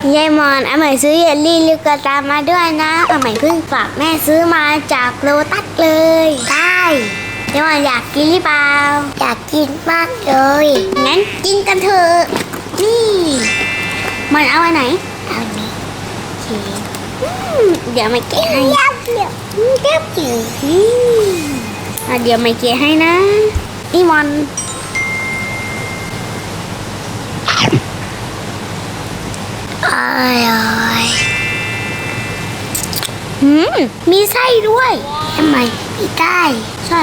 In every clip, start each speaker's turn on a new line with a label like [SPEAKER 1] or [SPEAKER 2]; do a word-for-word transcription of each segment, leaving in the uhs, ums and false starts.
[SPEAKER 1] ยายมอนอาใหม่ซื้อเยลลี่ลูกตามาด้วยนะอาใหม่เพิ่งฝากแม่ซื้อมาจากโลตัสเลยได้ยายมอนอยากกินหรือเปล่าอยากกินมากเลยงั้นกินกันเถอะนี่มันเอาไว้ไหนเอาอันนี้เดี๋ยวไม่เกะให้เดี๋ยวเดี๋ยวเดี๋ยวเดี๋ยวไม่เกะให้นะนี่มอนอร่อยหืมมีไส้ด้วยทำไมมีไส้ชอบ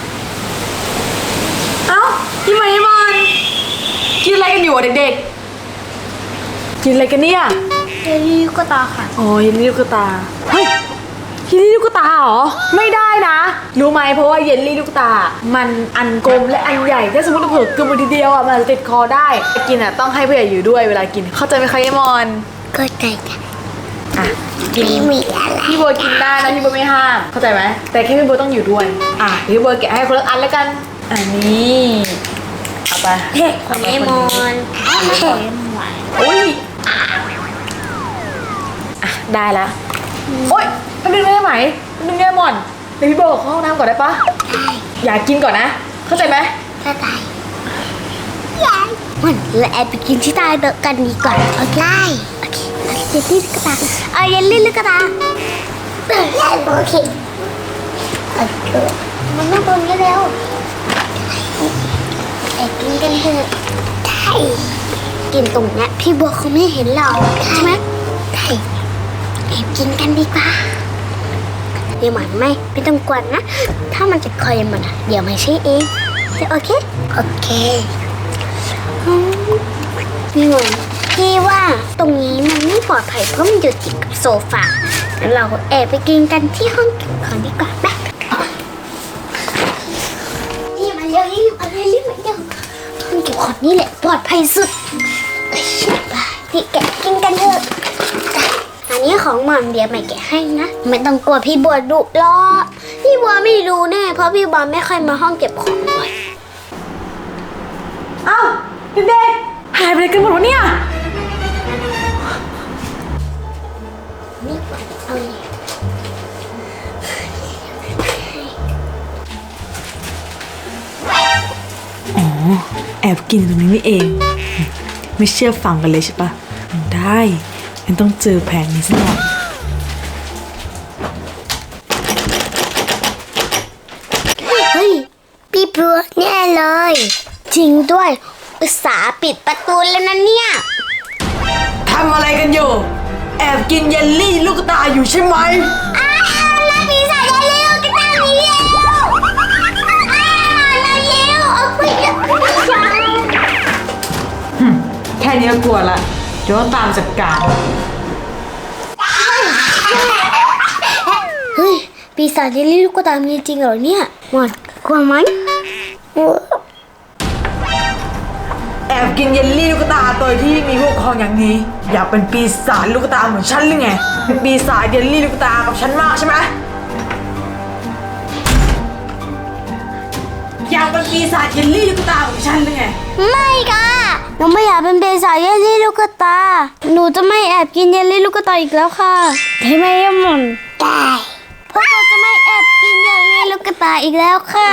[SPEAKER 2] เอ้าพี่ไมค์มันกินอะไรกันอยู่อ่ะเด็กๆกินอะไรกันเนี่ย
[SPEAKER 1] เยลลี่ลูกตาค่ะ
[SPEAKER 2] อ๋อเยลลี่ลูกตาเฮ้ยเยลลี่ลูกตาเหรอไม่ได้นะรู้ไหมเพราะว่าเยลลี่ลูกตามันอันกลมและอันใหญ่ถ้าสมมติเราเผลอกลืนไปทีเดียวอ่ะมันจะติดคอได้กินอ่ะต้องให้ผู้ใหญ่อยู่ด้วยเวลากินเข้าใจไหมคะยายมอน
[SPEAKER 1] ก็ใจค่ะ
[SPEAKER 2] อ่ะกิน
[SPEAKER 1] ไม่มีอะไร
[SPEAKER 2] พี่บัวกินได้นะพี่บัวไม่ห้ามเข้าใจไหมแต่แค่พี่บัวต้องอยู่ด้วยอ่ะพี่บัวแกะให้คนละอันแล้วกันอันนี้เอาไป
[SPEAKER 1] ของเลมอนเค็มหวาน
[SPEAKER 2] อุ้ยอ่ะได้ละโอ๊ยแป๊บนึงได้ไหมแป๊บนึงได้หมอนเดี๋ยวพี่บัวขอเข้าห้องน้ำก่อนได้ปะ
[SPEAKER 1] ได้
[SPEAKER 2] อยากกินก่อนนะเข้าใจไหม
[SPEAKER 1] ก็ได้ยายมันเราแอบไปกินที่ใต้โต๊ะกันดีกว่าโอเคโอเคเยลลี่ลูกตาเอาเยลลี่ลูกตาโอเคโอเคมันน่าบนกันแล้วแอบกินกันเถอะได้กินตรงเนี้ยพี่บัวเขาไม่เห็นเราใช่ไหมได้แอบกินกันดีกว่าเดี๋ยวหมันไม่ไม่ต้องกวนนะถ้ามันจะคอยมันอะเดี๋ยวไม่ใช่เองโอเคโอเคอืมพี่หมันพี่ว่าตรงนี้มันไม่ปลอดภัยเพราะมันอยู่ติดกับโซฟางั้นเราแอบไปกินกันที่ห้องเก็บของดีกว่าแป๊บนี่มาเร็วรีบมาเร็วรีบมาเร็วห้องเก็บของนี่แหละปลอดภัยสุดไปพี่แกะกินกันเถอะอันนี้ของหม่อมเดี๋ยวใหม่แกะให้นะไม่ต้องกลัวพี่บัวดุหรอกพี่บัวไม่รู้แน่เพราะพี่บัวไม่ค่อยมาห้องเก็บของบ่อย
[SPEAKER 2] เอ้าเด็กๆหายไปไหนกันหมดวะเนี่ย
[SPEAKER 1] นี่เอาเลย
[SPEAKER 2] อ๋อแอบกินตรงนี้นี่เองไม่เชื่อฟังกันเลยใช่ปะได้งั้นต้องเจอแผนนี้ซะหน่อย
[SPEAKER 1] เฮ้ยพี่บัวแน่เลยจริงด้วยอุตส่าห์ปิดประตูแล้วนะเนี่ย
[SPEAKER 2] ทำอะไรกันอยู่แอบกินเยลลี่ลูกตาอยู่ใช่ไหม
[SPEAKER 1] อ้าวนักปีศาจได้เร็วกันตั้งนี้เร็วอ้าวนักเร็วเอาไปเร็ว
[SPEAKER 2] แค่นี้ก็กลัวละเดี๋ยวต้องตามจัดการ
[SPEAKER 1] เฮ้ยปีศาจเยลลี่ลูกตามีจริงเหรอเนี่ยหมดกลัวไหม
[SPEAKER 2] แอบกินเยลลี่ลูกตาโดยที่มีผู้ปกครองอย่างนี้ อยากเป็นปีศาจลูกตาเหมือนฉันหรือไงเป็นปีศาจเยลลี่ลูกตากับฉันมากใช่ไหมอยากเป็นปีศาจเยลลี่ลูกตาของฉันหรือไง
[SPEAKER 1] ไม่ค่ะหนูไม่อยากเป็นปีศาจเยลลี่ลูกตาหนูจะไม่แอบกินเยลลี่ลูกตาอีกแล้วค่ะได้ไหมยมนได้พวกเราจะไม่แอบกินเยลลี่ลูกตาอีกแล้วค่ะ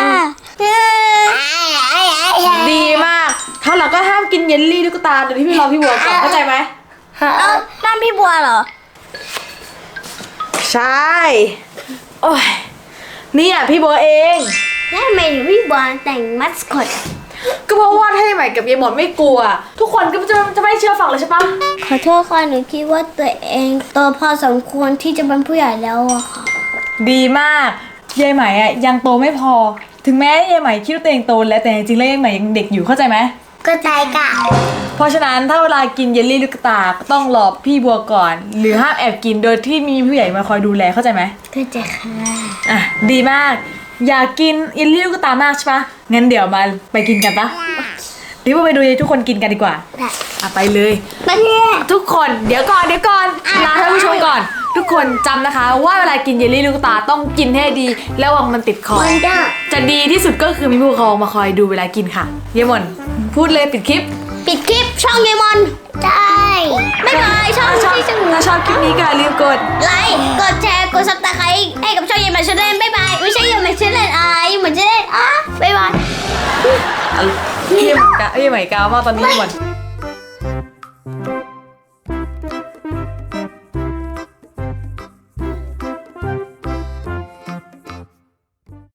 [SPEAKER 2] ดีมากถ้าเราก็ห้ามกินเยลลี่ลูกตาโดยที่พี่รอพี่บัวก่อนเข้าใจไหม
[SPEAKER 1] เอ้านั่นพี่บัวเหรอ
[SPEAKER 2] ใช่โอ้ยนี่อ่ะพี่บัวเอง
[SPEAKER 1] แล้วทำไมถึงพี่บัวแต่งมัสคอต
[SPEAKER 2] ก็เพราะว่าถ้าใหม่กับยายหมอนไม่กลัว ทุกคนก็จะจะไม่เชื่อฟังเลยใช่ปะ
[SPEAKER 1] ขอโทษค่ะหนูคิดว่าตัวเองโตพอสมควรที่จะเป็นผู้ใหญ่แล้วอะค่ะ
[SPEAKER 2] ดีมากยายใหม่อ่ะยังโตไม่พอ ถึงแม้ยายใหม่คิดว่าตัวเองโตแล้วแต่จริงๆแล้วยายใหม่ยังเด็กอยู่เข้าใจไหม
[SPEAKER 1] ก็ใจกะ
[SPEAKER 2] เพราะฉะนั้นถ้าเวลากินเยลลี่ลูกตาก็ต้องรอพี่บัวก่อน หรือห้ามแอบกินโดยที่มีผู้ใหญ่มาคอยดูแลเข้าใจไหม
[SPEAKER 1] ก็ใจค่ะ
[SPEAKER 2] อ่ะดีมากอยากกินเยลลี่ลูกตามากใช่ปะงั้นเดี๋ยวมาไปกินกันปะเดี๋ยวไปดูยายทุกคนกินกันดีกว่า
[SPEAKER 1] ได้
[SPEAKER 2] อ่ะไปเลย
[SPEAKER 1] ไปเลย
[SPEAKER 2] ทุกคนเดี๋ยวก่อนเดี๋ยวก่อนลาท่านผู้ชมก่อน ทุกคนจำนะคะว่าเวลากินเยลลี่ลูกตาต้องกินให้ดีแล้ววังมันติดคอ
[SPEAKER 1] มันจะ
[SPEAKER 2] จะดีที่สุดก็คือมีผู้ปกครองมาคอยดูเวลากินค่ะเยมอนพูดเลยปิดคลิป
[SPEAKER 1] ปิดคลิปช่องเยมอนใช่บ๊ายบายช่อง
[SPEAKER 2] ถ้าชอบ
[SPEAKER 1] ที่สนุก
[SPEAKER 2] ถ้าชอบคลิปนี้ก็อย่าลืมกด
[SPEAKER 1] ไลค์กดแชร์กดซับสไครต์ให้กับช่องเยมอนชาแนลบ๊ายบายไม่ใช่เยมอนชาแนลอะไรเหมือนชาแนลอ่ะบ๊ายบาย
[SPEAKER 2] เยี่ยมกะเยี่ยมไหมกาวมากตอนนี้หมด